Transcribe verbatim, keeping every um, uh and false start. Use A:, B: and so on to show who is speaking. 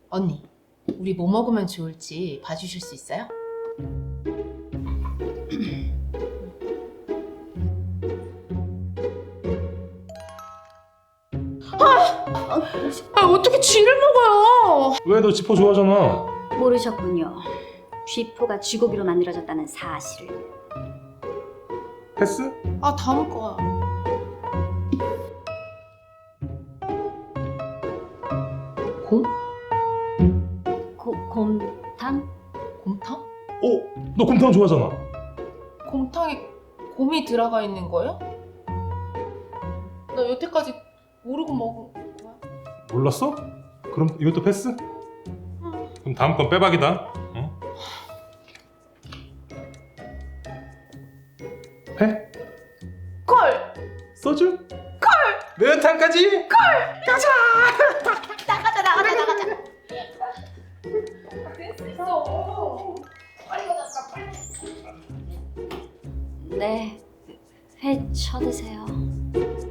A: 언니, 우리 뭐 먹으면 좋을지 봐주실 수 있어요? 아! 아, 어떻게 쥐를 먹어요?
B: 왜? 너 지포 좋아하잖아.
C: 모르셨군요. 쥐포가 쥐고기로 만들어졌다는 사실을.
B: 패스?
A: 아, 다음 거야. 곰?
C: 고, 곰탕?
A: 곰탕?
B: 어? 너 곰탕 좋아하잖아.
A: 곰탕에 곰이 들어가 있는 거예요? 나 여태까지 모르고 먹은 거야.
B: 몰랐어? 그럼 이것도 패스? 그럼 다음 건 빼박이다. 어? 회?
A: 콜!
B: 소주? 콜! 매운탕까지?
A: 나가자, 나가자, 나가자. 됐어. 빨리 가자, 빨리.
C: 네, 회 쳐드세요.